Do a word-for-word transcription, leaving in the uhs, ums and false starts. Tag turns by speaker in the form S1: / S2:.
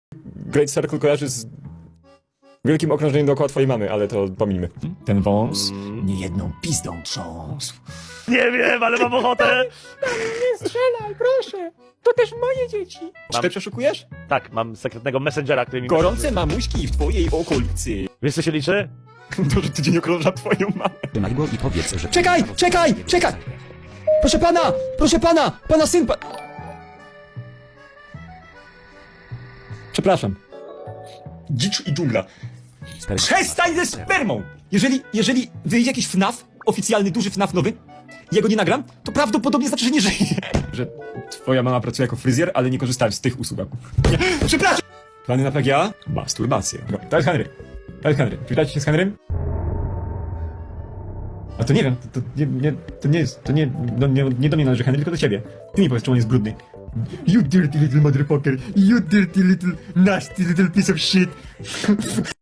S1: Great Circle kojarzy z wielkim okrążeniem dookoła twojej mamy, ale to pomijmy. Ten wąs nie jedną pizdą trząsł.
S2: Nie wiem, ale mam ochotę!
S3: Nie strzelaj, proszę! To też moje dzieci!
S1: Czy ty przeszukujesz?
S2: Tak, mam sekretnego messengera, który mi...
S1: Gorące mamuśki w twojej okolicy.
S2: Wiesz, co się liczy?
S1: To, że tydzień okrąża twoją mamę.
S4: Trzymaj go i powiedz, że...
S3: Czekaj, czekaj, czekaj! Proszę pana, proszę pana, pana syn pa... Przepraszam.
S1: Dzicz i dżungla.
S4: Sper-
S1: Przestań ze spermą! Jeżeli, jeżeli wyjdzie jakiś F N A F, oficjalny, duży F N A F nowy, i ja go nie nagram, to prawdopodobnie znaczy, że nie żyje. Że twoja mama pracuje jako fryzjer, ale nie korzystałem z tych usług. Nie, przepraszam! Plany na P G A? Masturbację. No, to jest Henry. To jest Henry. Przywitacie się z Henrym? A to nie wiem, to, to, nie, nie, to nie jest, to nie, no, nie, nie do mnie należy Henry, tylko do ciebie. Ty mi powiedz, czemu on jest brudny. You dirty little motherfucker. You dirty little nasty little piece of shit.